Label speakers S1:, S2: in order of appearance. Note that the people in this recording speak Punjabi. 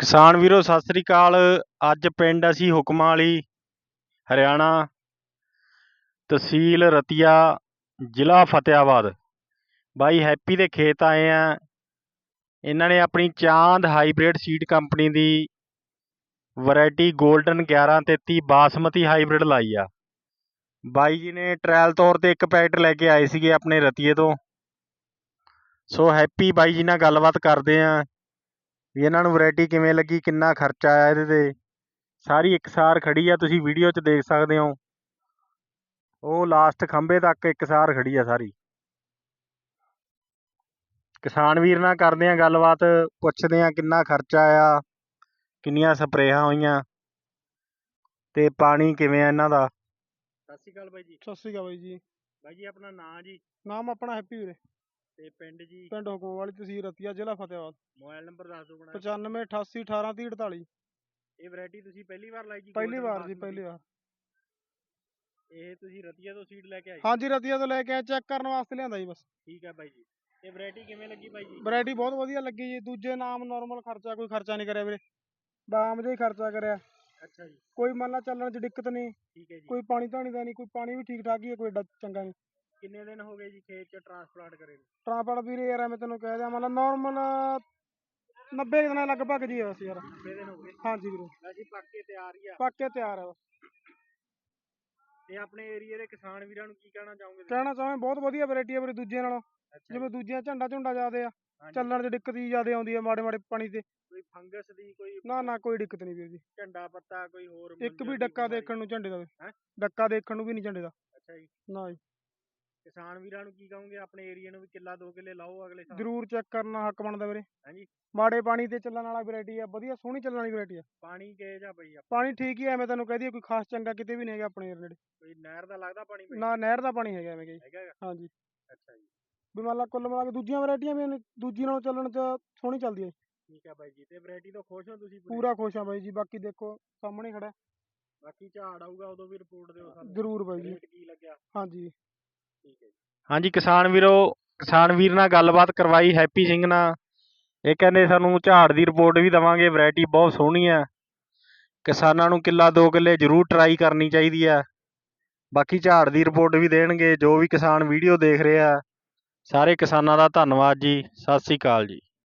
S1: ਕਿਸਾਨ ਵੀਰੋ ਸਤਿ ਸ੍ਰੀ ਅਕਾਲ। ਅੱਜ ਪਿੰਡ ਅਸੀਂ ਹੁਕਮਾਂ ਵਾਲੀ, ਹਰਿਆਣਾ, ਤਹਿਸੀਲ ਰਤੀਆ, ਜ਼ਿਲ੍ਹਾ ਫਤਿਆਬਾਦ। ਬਾਈ ਹੈਪੀ ਦੇ ਖੇਤ ਆਏ ਆ। ਇਹਨਾਂ ਨੇ ਆਪਣੀ ਚਾਂਦ ਹਾਈਬ੍ਰਿਡ ਸੀਡ ਕੰਪਨੀ ਦੀ ਵੈਰਾਈਟੀ ਗੋਲਡਨ 1133 ਬਾਸਮਤੀ ਹਾਈਬ੍ਰਿਡ ਲਾਈ ਆ। ਬਾਈ ਜੀ ਨੇ ਟਰਾਇਲ ਤੌਰ ਤੇ ਇੱਕ ਪੈਕਟ ਲੈ ਕੇ ਆਏ ਸੀਗੇ ਆਪਣੇ ਰਤੀਏ ਤੋਂ। ਸੋ ਹੈਪੀ ਬਾਈ ਜੀ ਨਾਲ ਗੱਲਬਾਤ ਕਰਦੇ ਆ ਵੀ ਇਹਨਾਂ ਨੂੰ ਵੈਰਾਈਟੀ ਕਿਵੇਂ ਲੱਗੀ, ਕਿੰਨਾ ਖਰਚਾ ਆਇਆ ਇਹਦੇ ਤੇ। ਸਾਰੀ ਇਕਸਾਰ ਖੜੀ ਆ, ਤੁਸੀਂ ਵੀਡੀਓ 'ਚ ਦੇਖ ਸਕਦੇ ਹੋ। ਉਹ ਲਾਸਟ ਖੰਭੇ ਤੱਕ ਇਕਸਾਰ ਖੜੀ ਆ ਸਾਰੀ। ਕਿਸਾਨ ਵੀਰ ਨਾਲ ਕਰਦੇ ਆ ਗੱਲਬਾਤ, ਪੁੱਛਦੇ ਆ ਕਿੰਨਾ ਖਰਚਾ ਆਇਆ, ਕਿੰਨੀਆਂ ਸਪਰੇਹਾਂ ਹੋਈਆਂ ਤੇ ਪਾਣੀ ਕਿਵੇਂ ਆ ਇਹਨਾਂ ਦਾ। ਸਤਿ ਸ਼੍ਰੀ ਅਕਾਲ ਬਾਈ ਜੀ।
S2: ਸਤਿ ਸ਼੍ਰੀ ਅਕਾਲ ਬਾਈ ਜੀ।
S1: ਬਾਈ ਜੀ ਆਪਣਾ ਨਾਂ ਜੀ?
S2: ਨਾਮ ਆਪਣਾ ਹੈਪੀ ਵੀਰੇ।
S1: ਤੇ ਪਿੰਡ ਜੀ?
S2: ਪਿੰਡ ਹੁਕਮ ਵਾਲੀ, ਤਹਿਸੀਲ ਰਤੀਆ, ਜ਼ਿਲ੍ਹਾ ਫਤਿਆਬਾਦ।
S1: ਮੋਬਾਈਲ ਨੰਬਰ ਦੱਸ ਦਿਓ।
S2: 95 88 18 30 48।
S1: ਇਹ ਵੈਰਾਈਟੀ ਤੁਸੀਂ ਪਹਿਲੀ ਵਾਰ ਲਾਈ ਜੀ?
S2: ਪਹਿਲੀ ਵਾਰ ਜੀ, ਪਹਿਲੀ ਵਾਰ।
S1: ਇਹ ਤੁਸੀਂ ਰਤੀਆ ਤੋਂ ਸੀਡ ਲੈ ਕੇ ਆਏ?
S2: ਹਾਂਜੀ, ਰਤੀਆ ਤੋਂ ਲੈ ਕੇ ਆਏ, ਚੈੱਕ ਕਰਨ ਵਾਸਤੇ ਲਿਆਂਦਾ ਜੀ ਬਸ।
S1: ਠੀਕ ਹੈ ਬਾਈ ਜੀ। ਇਹ ਵੈਰਾਈਟੀ ਕਿਵੇਂ ਲੱਗੀ ਬਾਈ ਜੀ?
S2: ਵੈਰਾਈਟੀ ਬਹੁਤ ਵਧੀਆ ਲੱਗੀ ਜੀ। ਦੂਜੇ ਨਾਮ ਨਾਰਮਲ ਖਰਚਾ, ਕੋਈ ਖਰਚਾ ਨਹੀਂ ਕਰਿਆ ਵੀਰੇ, ਬਾਮ ਜਿਹਾ ਹੀ ਖਰਚਾ ਕਰਿਆ।
S1: ਅੱਛਾ ਜੀ।
S2: ਕੋਈ ਮੰਨ ਲਾ ਚੱਲਣ 'ਚ ਦਿੱਕਤ ਨਹੀਂ।
S1: ਠੀਕ ਹੈ ਜੀ।
S2: ਕੋਈ ਪਾਣੀ ਧਾਣੀ ਦਾ ਨਹੀਂ, ਕੋਈ ਪਾਣੀ ਵੀ ਠੀਕ ਠਾਕ ਹੀ ਹੈ, ਕੋਈ ਏਡਾ ਚੰਗਾ ਨਹੀਂ।
S1: ਕਿੰਨੇ ਦਿਨ ਹੋ ਗਏ ਜੀ ਖੇਤ 'ਚ ਟਰਾਂਸਪਲਾਂਟ ਕਰੇ ਨੂੰ?
S2: ਟਰਾਂਸਪੋਰਟ ਵੀਰੇ ਯਾਰ ਮੈਂ ਤੈਨੂੰ ਕਹਿ ਦਿਆਂ, ਮਤਲਬ ਨਾਰਮਲ 90 ਦਿਨਾਂ ਲਗਭਗ ਜੀ ਬਸ ਯਾਰ।
S1: 90 ਦਿਨ ਹੋ ਗਏ?
S2: ਹਾਂਜੀ ਵੀਰੇ।
S1: ਅਸੀਂ ਪੱਕ ਕੇ ਤਿਆਰ ਹੀ ਆ?
S2: ਪੱਕ ਕੇ ਤਿਆਰ ਆ ਬਸ।
S1: ਤੇ ਆਪਣੇ ਏਰੀਏ ਦੇ ਕਿਸਾਨ ਵੀਰਾਂ ਨੂੰ ਕੀ ਕਹਿਣਾ ਚਾਹੋਗੇ?
S2: ਕਹਿਣਾ ਚਾਹਾਂ ਬਹੁਤ ਵਧੀਆ ਵੈਰਾਈਟੀ ਆ ਵੀਰੇ ਦੂਜਿਆਂ ਨਾਲੋਂ। ਜਿਵੇਂ ਦੂਜੀਆਂ ਝੰਡਾ ਜ਼ਿਆਦੇ ਆ, ਚੱਲਣ 'ਚ ਦਿੱਕਤ ਹੀ ਜ਼ਿਆਦੇ ਆਉਂਦੀ ਆ ਮਾੜੇ ਮਾੜੇ ਪਾਣੀ ਤੇ।
S1: ਕੋਈ ਫੰਗਸ ਦੀ ਕੋਈ?
S2: ਨਾ ਕੋਈ ਦਿੱਕਤ ਨਹੀਂ ਵੀਰ ਜੀ।
S1: ਝੰਡਾ ਪੱਤਾ ਕੋਈ ਹੋਰ?
S2: ਇੱਕ ਵੀ ਡੱਕਾ ਦੇਖਣ ਨੂੰ ਝੰਡੇ ਦਾ, ਡੱਕਾ ਦੇਖਣ ਨੂੰ ਵੀ ਨਹੀਂ ਝੰਡੇ ਦਾ।
S1: ਅੱਛਾ ਜੀ।
S2: ਨਾ ਜੀ।
S1: ਕਿਸਾਨ ਵੀਰਾਂ ਨੂੰ ਕੀ ਕਹੋਗੇ ਆਪਣੇ ਏਰੀਏ ਨੂੰ ਵੀ ਕਿੱਲਾ 2 ਕਿੱਲੇ ਲਾਓ ਅਗਲੇ ਸਾਲ?
S2: ਜ਼ਰੂਰ ਚੈੱਕ ਕਰਨਾ ਹੱਕ ਬਣਦਾ ਵੀਰੇ।
S1: ਹਾਂਜੀ।
S2: ਮਾੜੇ ਪਾਣੀ ਤੇ ਚੱਲਣ ਵਾਲਾ ਵੈਰਾਈਟੀ ਆ, ਵਧੀਆ ਸੋਹਣੀ ਚੱਲਣ ਵਾਲੀ ਵੈਰਾਈਟੀ ਆ।
S1: ਪਾਣੀ ਕਿਹੋ ਜਿਹਾ ਬਈ?
S2: ਪਾਣੀ ਠੀਕ ਹੀ ਐ, ਮੈਂ ਤੈਨੂੰ ਕਹਦੀ ਕੋਈ ਖਾਸ ਚੰਗਾ ਕਿਤੇ ਵੀ ਨਹੀਂ ਹੈਗਾ ਆਪਣੇ ਨੇੜੇ।
S1: ਕੋਈ ਨਹਿਰ ਦਾ ਲੱਗਦਾ ਪਾਣੀ?
S2: ਨਾ ਨਹਿਰ ਦਾ ਪਾਣੀ ਹੈਗਾ ਐਵੇਂ ਕਿ।
S1: ਹੈਗਾ?
S2: ਹਾਂਜੀ।
S1: ਅੱਛਾ ਜੀ।
S2: ਵੀ ਮੰਨ ਲਾ ਕੁੱਲ ਮਿਲਾ ਕੇ ਦੂਜੀਆਂ ਵੈਰਾਈਟੀਆਂ ਵੀ ਦੂਜੀ ਨਾਲੋਂ ਚੱਲਣ 'ਚ ਸੋਹਣੀ ਚੱਲਦੀ ਹੈ।
S1: ਠੀਕ ਹੈ ਬਾਈ ਜੀ। ਤੇ ਵੈਰਾਈਟੀ ਤੋਂ ਖੁਸ਼ ਹੋ ਤੁਸੀਂ?
S2: ਪੂਰਾ ਖੁਸ਼ ਆ ਬਾਈ ਜੀ। ਬਾਕੀ ਦੇਖੋ ਸਾਹਮਣੇ ਖੜਾ।
S1: ਬਾਕੀ ਝਾੜ ਆਊਗਾ ਉਦੋਂ ਵੀ ਰਿਪੋਰਟ ਦਿਓ ਸਾਨੂੰ।
S2: ਜ਼ਰੂਰ ਬਾਈ ਜੀ।
S1: ਕੀ ਲੱਗਿਆ?
S2: ਹਾਂਜੀ।
S1: ਠੀਕ ਹੈ ਜੀ। ਹਾਂਜੀ ਕਿਸਾਨ ਵੀਰ ਨਾਲ ਗੱਲਬਾਤ ਕਰਵਾਈ ਹੈਪੀ ਸਿੰਘ ਨਾਲ। ਇਹ ਕਹਿੰਦੇ ਸਾਨੂੰ ਝਾੜ ਦੀ ਰਿਪੋਰਟ ਵੀ ਦੇਵਾਂਗੇ। ਵੈਰਾਈਟੀ ਬਹੁਤ ਸੋਹਣੀ ਆ, ਕਿਸਾਨਾਂ ਨੂੰ ਕਿੱਲਾ 2 ਕਿੱਲੇ ਜ਼ਰੂਰ ਟਰਾਈ ਕਰਨੀ ਚਾਹੀਦੀ ਆ। ਬਾਕੀ ਝਾੜ ਦੀ ਰਿਪੋਰਟ ਵੀ ਦੇਣਗੇ। ਜੋ ਵੀ ਕਿਸਾਨ ਵੀਡੀਓ ਦੇਖ ਰਹੇ ਆ, ਸਾਰੇ ਕਿਸਾਨਾਂ ਦਾ ਧੰਨਵਾਦ ਜੀ। ਸਤਿ ਸ਼੍ਰੀ ਅਕਾਲ ਜੀ।